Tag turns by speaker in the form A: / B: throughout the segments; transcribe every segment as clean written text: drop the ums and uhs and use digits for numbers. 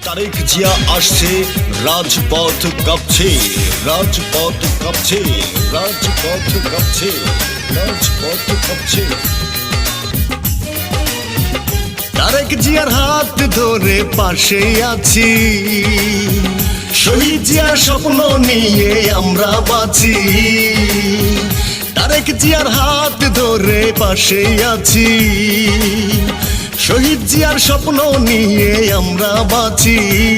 A: তারেক জিয়া আসছে, রাজপথ কাঁপছে, রাজপথ কাঁপছে, রাজপথ কাঁপছে, রাজপথ কাঁপছে। তারেক জিয়ার হাত ধরে পাশে আছি, শহীদ জিয়ার স্বপ্ন নিয়ে আমরা বাঁচি। তারেক জিয়ার হাত ধরে পাশে আছি, শহীদ জিয়ার স্বপ্ন নিয়ে আমরা বাঁচি।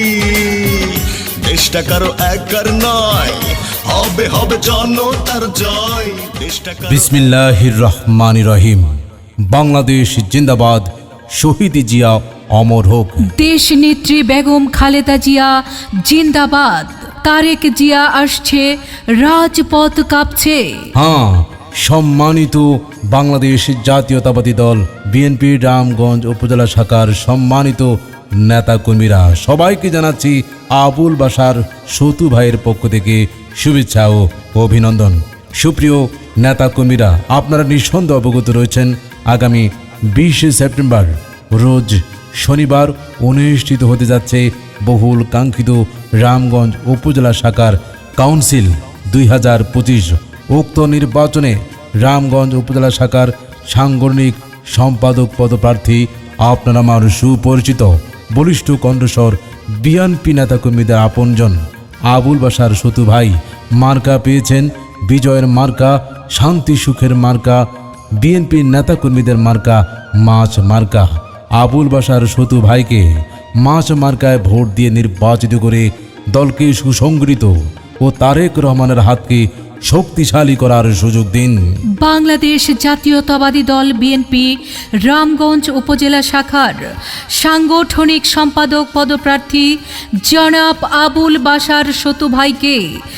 A: দেশটা কারো একার নয়, হবে হবে জনতার জয়। দেশটা
B: বিসমিল্লাহির রহমানির রহিম। বাংলাদেশ জিন্দাবাদ, শহীদ জিয়া অমর হোক।
C: দেশ নেত্রী বেগম খালেদা জিয়া জিন্দাবাদ। তারেক জিয়া আসছে, রাজপথ কাঁপছে।
B: হ্যাঁ, সম্মানিত বাংলাদেশ জাতীয়তাবাদী দল বিএনপি রামগঞ্জ উপজেলা শাখার সম্মানিত নেতাকর্মীরা, সবাইকে জানাচ্ছি আবুল বাশার সতু ভাইয়ের পক্ষ থেকে শুভেচ্ছা ও অভিনন্দন। সুপ্রিয় নেতাকর্মীরা, আপনারা নিঃসন্দেহে অবগত রয়েছেন আগামী 20 সেপ্টেম্বর রোজ শনিবার অনুষ্ঠিত হতে যাচ্ছে বহুল কাঙ্ক্ষিত রামগঞ্জ উপজেলা শাখার কাউন্সিল 2025। উক্ত নির্বাচনে রামগঞ্জ উপজেলা শাখার সাংগঠনিক সম্পাদক পদপ্রার্থী আপনার আমার সুপরিচিত বলিষ্ঠ কণ্ঠস্বর বিএনপি নেতাকর্মীদের আপনজন আবুল বাশার সতু ভাই মার্কা পেয়েছেন। বিজয়ের মার্কা, শান্তি সুখের মার্কা, বিএনপি নেতাকর্মীদের মার্কা মাছ মার্কা। আবুল বাশার সতু ভাইকে মাছ মার্কায় ভোট দিয়ে নির্বাচিত করে দলকে সুসংগঠিত ও তারেক রহমানের হাতকে শক্তিশালী করার সুযোগ দিন।
C: বাংলাদেশ জাতীয়তাবাদী দল বিএনপি রামগঞ্জ উপজেলা শাখার সাংগঠনিক সম্পাদক পদপ্রার্থী জনাব আবুল বাশার সতু ভাইকে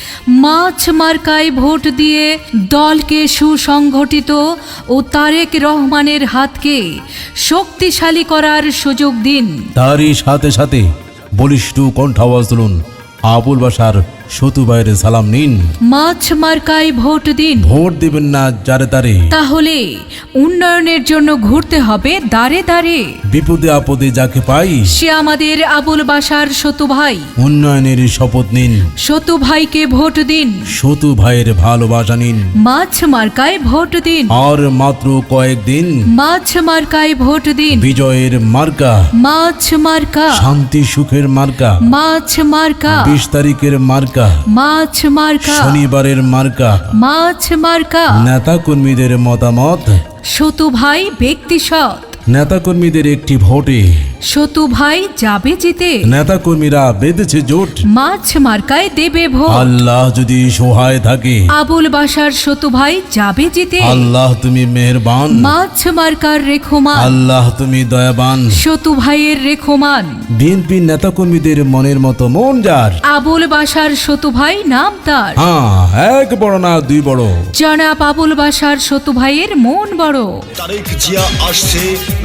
C: মাছ মার্কায় ভোট দিয়ে দলকে সুসংগঠিত ও তারেক রহমানের হাতকে শক্তিশালী করার সুযোগ দিন।
B: তারই সাথে সাথে বলিষ্ঠ কণ্ঠ আওয়াজ তুলুন, আবুল বাশার সতু ভাইয়ের সালাম নিন।
C: মাছ মার্কায় ভোট দিন।
B: ভোট দিবেন না যারে তারে,
C: তাহলে উন্নয়নের জন্য ঘুরতে হবে দাঁড়ে দাঁড়ে।
B: বিপদে আপদে যাকে পাই
C: সে আমাদের আবুল বাশার সতু ভাই।
B: উন্নয়নের শপথ নিন,
C: সতু ভাইকে ভোট দিন।
B: সতু ভাইয়ের ভালোবাসা নিন।
C: মাছ মার্কায় ভোট দিন।
B: আর মাত্র কয়েকদিন,
C: মাছ মার্কায় ভোট দিন।
B: বিজয়ের মার্কা,
C: মাছ মার্কা,
B: শান্তি সুখের মার্কা,
C: মাছ মার্কা,
B: 20 তারিখের মার্কা,
C: মাছ মার্কা,
B: শনিবারের মার্কা।
C: মাছ মার্কা।
B: নেতাকর্মীদের মতামত,
C: সতু ভাই ব্যক্তি সৎ।
B: নেতাকর্মীদের একটি ভোটে
C: সতু ভাই যাবে জিতে।
B: নেতাকর্মীরা বেঁধেছে জোট,
C: মাছ মার্কায় দেবে ভোট।
B: আল্লাহ যদি সহায় থাকে,
C: আবুল বাশার সতু ভাই যাবে জিতে।
B: আল্লাহ তুমি মেহেরবান,
C: মাছ মার্কার রেখমান।
B: আল্লাহ তুমি দয়াবান।
C: সতু ভাইয়ের রেখমান।
B: বিএনপি নেতাকর্মীদের মনের মতো মন যার,
C: আবুল বাশার সতু ভাই নাম তার।
B: হ্যাঁ, এক বড় না দুই বড়,
C: জনাব আবুল বাশার সতু ভাইয়ের মন বড়।
A: তারেক জিয়া আসছে,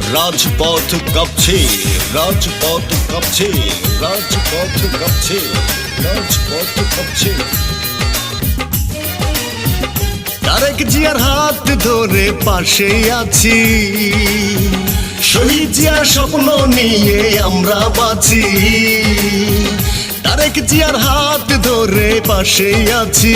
A: রাজপথ কাঁপছে, রাজপথ কাঁপছে, রাজপথ কাঁপছে, রাজপথ কাঁপছে। তারেক জিয়ার হাত ধরে পাশে আছি, শহীদ জিয়ার স্বপ্ন নিয়ে আমরা বাঁচি। তারেক জিয়ার হাত ধরে পাশে আছি,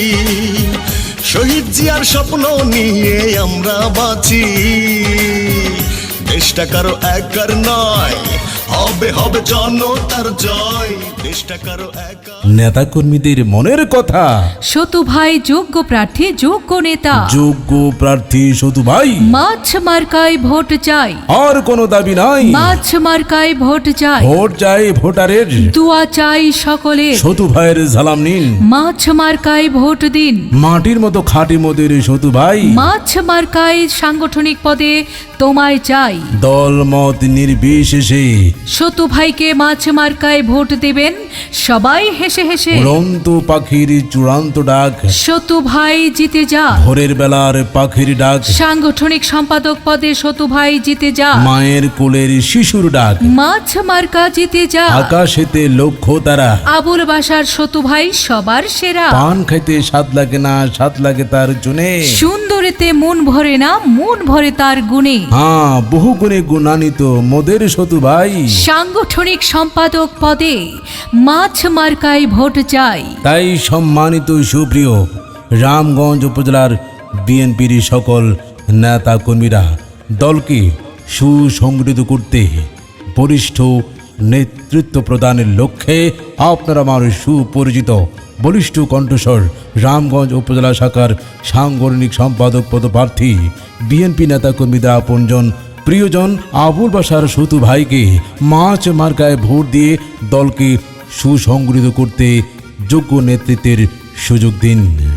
A: শহীদ জিয়ার স্বপ্ন নিয়ে আমরা বাঁচি। দেশটা কারো একার নয়, হবে হবে জনতার জয়। দেশটা কারো একা।
B: নেতাকর্মীদের মনের কথা,
C: সতু ভাই যোগ্য প্রার্থী, যোগ্য নেতা।
B: যোগ্য প্রার্থী সতু ভাই,
C: মাছ মার্কায় ভোট চাই।
B: আর কোনো দাবি নাই,
C: মাছ মার্কায় ভোট চাই।
B: ভোট চাই ভোটারের,
C: দোয়া চাই সকলে।
B: সতু ভাইয়ের সালাম নিন।
C: মাছ মার্কায় ভোট দিন।
B: মাটির মতো খাঁটি মদের সতু ভাই,
C: মাছ মার্কায় সাংগঠনিক পদে তোমায় চাই।
B: দল মত নির্বিশেষে
C: সতু ভাইকে মাছ মার্কায় ভোট দেবেন সবাই হেসে হেসে।
B: উড়ন্ত পাখির চূড়ান্ত ডাক,
C: সতু ভাই জিতে যা।
B: ভোরের বেলার পাখির ডাক,
C: সাংগঠনিক সম্পাদক পদে সতু ভাই জিতে যা।
B: মায়ের কোলের শিশুর ডাক,
C: মাছ মার্কা জিতে যা।
B: আকাশেতে লক্ষ্য তারা,
C: আবুল বাশার সতু ভাই সবার সেরা।
B: পান খাইতে স্বাদ লাগে না, স্বাদ লাগে তার জুনে।
C: সুন্দরেতে মন ভরে না, মন ভরে তার গুণে।
B: হ্যাঁ, বহু গুণে গুণান্বিত মোদের সতু ভাই,
C: সাংগঠনিক সম্পাদক পদে মাছ মার্কায় ভোট চাই।
B: তাই সম্মানিত সুপ্রিয় রামগঞ্জ উপজেলার বিএনপির সকল নেতা কর্মীরা দলকে সুসংগঠিত করতে বরিষ্ঠ নেতৃত্ব প্রদানের লক্ষ্যে আপনারা আমার সুপরিচিত বলিষ্ঠ কণ্ঠস্বর রামগঞ্জ উপজেলা শাখার সাংগঠনিক সম্পাদক পদপ্রার্থী বিএনপি নেতাকর্মীদের আপনজন প্রিয়জন আবুল বাশার সতু ভাইকে মাছ মার্কায় ভোট দিয়ে দলকে সুসংগঠিত করতে যোগ্য নেতৃত্বের সুযোগ দিন।